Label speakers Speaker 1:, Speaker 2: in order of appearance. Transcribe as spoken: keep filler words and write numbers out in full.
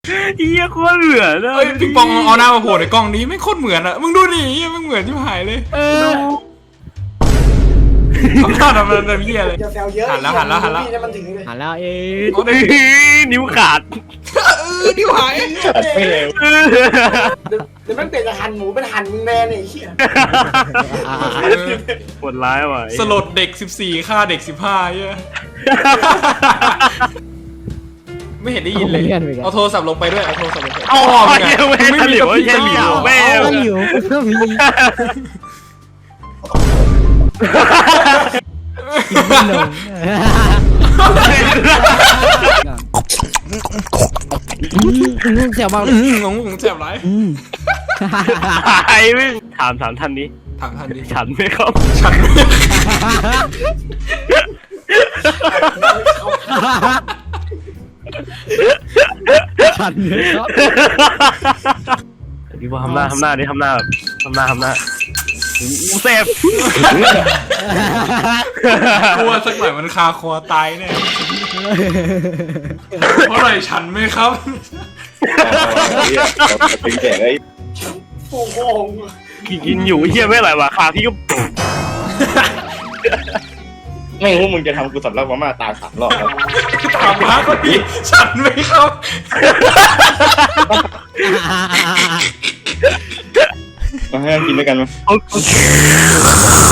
Speaker 1: เหี้ยโคตรเหมือนเลย
Speaker 2: เอ้ยปิงปองเอาหน้ามาโผล่ในกล้องนี้ไม่โคตรเหมือนอะมึงดูดิมึงเหมือนที่หายเลย
Speaker 1: เออ
Speaker 2: ทำหน้าทำอะไรแบบเหี้ยเลย
Speaker 3: อย่าแซวเยอะ
Speaker 2: หันแล้วหันแล้วหันแล้ว
Speaker 3: พี่มันถึงเลย
Speaker 1: หันแล้วเอ๊ะนิ้วขาด
Speaker 2: เออที่หาย
Speaker 4: ไม่เร็ว
Speaker 3: เดี๋ยวเดี๋ยวมันเปลี่ยนจากหั่นหมูเป็นหั่นมึงแมนไอ้เหี้ย
Speaker 1: ปวดร้ายว่ะ
Speaker 2: สลดเด็กสิบสี่ฆ่าเด็กสิบห้าเหี้ยไม่เห็นได้ยินเลยเอาโทรศัพท์ลงไปด้วยเอาโทรศัพท์ลงไป
Speaker 1: อ๋อ
Speaker 2: มึง
Speaker 1: เหี้ย
Speaker 2: อะ
Speaker 1: ไม่
Speaker 2: มึง
Speaker 1: ไม่
Speaker 2: ไม่
Speaker 1: เห
Speaker 2: มี
Speaker 1: ลียว
Speaker 2: กระ
Speaker 1: เหี้ยเหลียวแม่
Speaker 5: ไม่อยู่ก็มีกินไม่ลงอืมเสียวมากเลย
Speaker 2: อืมงงงเจ็บไร
Speaker 5: อืม
Speaker 1: ไอ้ไม่ถามถามท่านนี้
Speaker 2: ถามทันดิ
Speaker 1: ฉันไหมครับ
Speaker 2: ฉัน
Speaker 5: ฉันเลยครับ
Speaker 1: พี่ว่าทำหน้าทำหน้าดิทำหน้าแบบทำหน้าทำหน้าอูเซฟ
Speaker 2: กลัวสักหน่อยมันคาคอตายแน่เพราะอะไรฉันไหมครับ
Speaker 4: เป็นแก่ไอ้
Speaker 3: โอ้โห
Speaker 1: กินอยู่เฮียไม่ไหลว่ะขาพี่ก็
Speaker 4: ไม่รู้มึงจะทำกูสำลักมาม่าตายสามรอบแล้ว
Speaker 2: ถามมาก็ดีฉันไหมครับ
Speaker 4: มาให้กินด้วยกันมั้ย
Speaker 1: โอเค